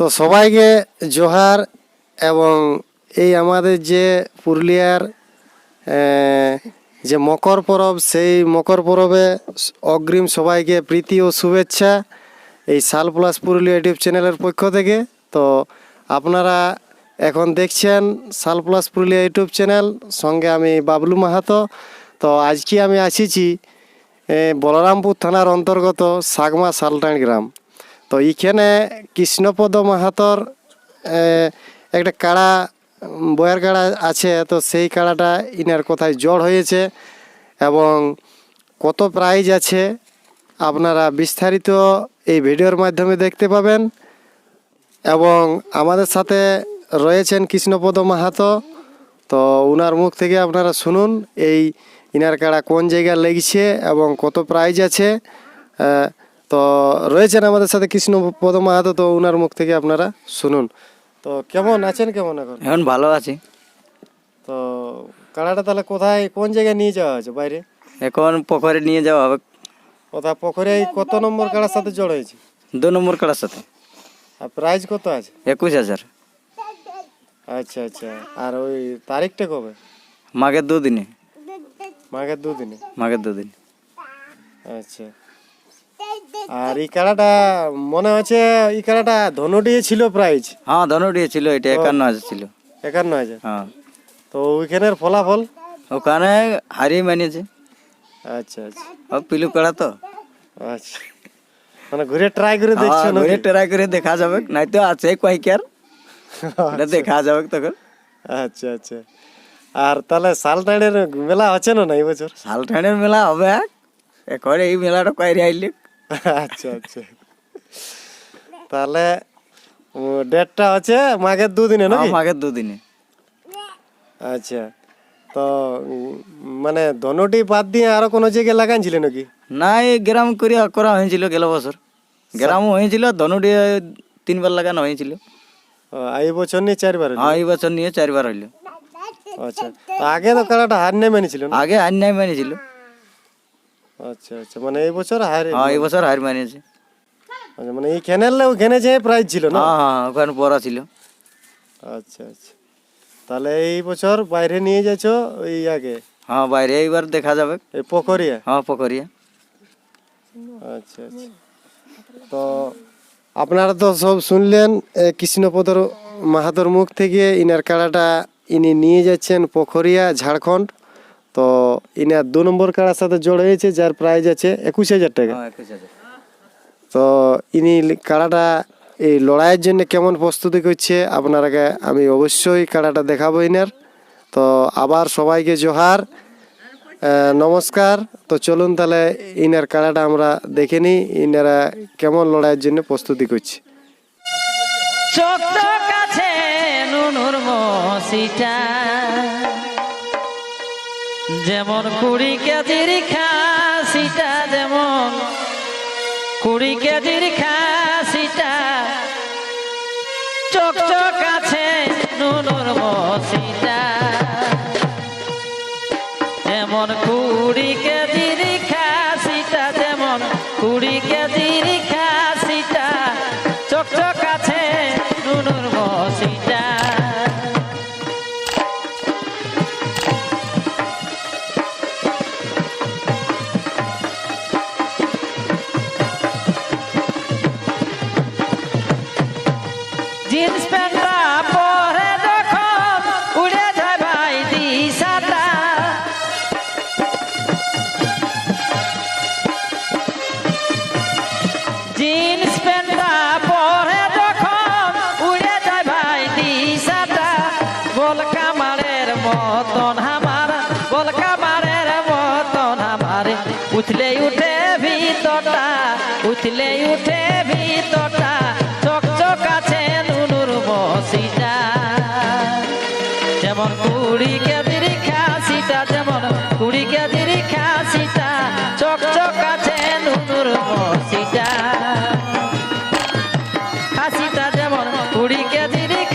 তো সবাইকে জোহার। এবং এই আমাদের যে পুরুলিয়ার যে মকর পরব, সেই মকর পরবে অগ্রিম সবাইকে প্রীতি ও শুভেচ্ছা এই সাল প্লাস পুরুলিয়া ইউটিউব চ্যানেলের পক্ষ থেকে। তো আপনারা এখন দেখছেন সাল প্লাস পুরুলিয়া ইউটিউব চ্যানেল, সঙ্গে আমি বাবলু মাহাতো। তো আজকে আমি আসিছি বলরামপুর থানার অন্তর্গত সাগমা সালটাইন গ্রাম। তো এইখানে কৃষ্ণপদ মাহাতর একটা কাড়া, বয়ের কাড়া আছে। তো সেই কাড়াটা ইনার কোথায় জড় হয়েছে এবং কত প্রাইজ আছে আপনারা বিস্তারিত এই ভিডিওর মাধ্যমে দেখতে পাবেন। এবং আমাদের সাথে রয়েছেন কৃষ্ণপদ মাহাতো। তো ওনার মুখ থেকে আপনারা শুনুন এই ইনার কাড়া কোন জায়গায় লেগেছে এবং কত প্রাইজ আছে। তো রয়েছেন আমাদের সাথে কৃষ্ণপদ মাহাতো, তো ওনার মুখ থেকে আপনারা শুনুন। তো কেমন আছেন, কেমন এখন ভালো আছি। তো কাড়াটা তাহলে কোথায়, কোন জায়গায় নিয়ে যাওয়া হয়েছে? বাইরে এখন পুকুরে নিয়ে যাওয়া হবে। কোথায় পুকুরে? কত নম্বর কাড়ার সাথে জড় হয়েছে? 2 নম্বর কাড়ার সাথে। আর প্রাইজ কত আছে? 21,000। আচ্ছা আচ্ছা। আর ওই তারিখটা কবে? মাঘের 2 দিনে। মাঘের 2 দিনে? মাঘের 2 দিন। আচ্ছা। আর এই কাড়াটা মনে হচ্ছে এই কাড়াটা ধনুটি ছিল প্রাইজ? হ্যাঁ, ধনুটি ছিল। এটা 51,000 ছিল। 51,000? হ্যাঁ। তো ওইখানের ফলাফল? ওখানে হারিয়ে মানিয়েছে। আচ্ছা আচ্ছা। ও পিলু কাড়া তো। আচ্ছা, মানে ঘুরে ট্রাই করে দেখছো না? ঘুরে ট্রাই করে দেখা যাবে, নাই তো আছে কয়েকবার এটা দেখা যাবে তখন। আচ্ছা আচ্ছা। আর তাহলে সালটাইনের মেলা হচ্ছে না এই বছর? সালটাইনের মেলা হবে এখন, এই মেলাটা কয়েরি আইলে। আচ্ছা আচ্ছা। তাহলে ডেটটা হচ্ছে মাঘের 2 দিনে নাকি? মাঘের 2 দিনে। আচ্ছা। তো মানে ধনুটি বাদ দিয়ে আরো কোনো জায়গায় লাগাইছিল নাকি? না, এই গ্রাম করা হয়েছিল গেল বছর। গ্রামও হয়েছিল, ধনুটি 3 বার লাগানো হয়েছিল। এই বছর নিয়ে 4 বার? হ্যাঁ, এই বছর নিয়ে 4 বার হইলো। আচ্ছা। তো আগে তো কাড়াটা হার নেই মানিছিল না? আগে হার নাই মানিয়েছিল। আচ্ছা আচ্ছা। মানে এই বছর হার? হ্যাঁ, এই বছর হার মানিয়েছে। আচ্ছা, মানে এই খেনেলে ওখানে যে প্রাইজ ছিল না? হ্যাঁ, ওখানে পড়া ছিল। আচ্ছা আচ্ছা। তাহলে এই বছর বাইরে নিয়ে যাচ্ছ ওই আগে? হ্যাঁ, বাইরে এইবার দেখা যাবে। এই পোখরিয়া? হ্যাঁ, পুকুরিয়া। আচ্ছা আচ্ছা। তো আপনারা তো সব শুনলেন কৃষ্ণপদর মাহাতোর মুখ থেকে। ইনার কাড়াটা ইনি নিয়ে যাচ্ছেন পোখরিয়া, ঝাড়খণ্ড। তো ইনার 2 নম্বর কাড়ার সাথে জড় হয়েছে, যার প্রাইজ আছে 21,000 টাকা। হ্যাঁ, 21,000। তো ইনি কাড়াটা এই লড়াইয়ের জন্য কেমন প্রস্তুতি করছে আপনারাকে আমি অবশ্যই কাড়াটা দেখাবো ইনার। তো আবার সবাইকে জোহার, নমস্কার। তো চলুন তাহলে ইনার কাড়াটা আমরা দেখে নিই, ইনারা কেমন লড়াইয়ের জন্য প্রস্তুতি করছে। চোখ চোখ আছে নুনুর মসিটা, যেমন 20 কেজির খাসিটা, যেমন 20 কেজির খাসিটা। চোখ চোখ আছে নুনুর মসিটা, যেমন 20 কেজির খাসিটা, যেমন 20 কেজির খাসিটা। চোখ চোখ আছে নুনুর মসিটা। জিন্স প্যান্টটা পরে যখন উড়ে যায় ভাই দিশাটা, জিন্স প্যান্টটা পরে যখন উড়ে যায় ভাই দিশাটা। বল কামারের মতন আমার, বল কামারের মতন আমার, উঠলে উঠে ভিতরটা, উঠলে উঠে ভিতরটা। চক চক আছে নুনুর মসিটা, যেমন 20 কেজির খাসিটা, যেমন 20 কেজির খাসিটা। চক চক আছে নুনুর মসিটা, খাসিটা যেমন 20 কেজির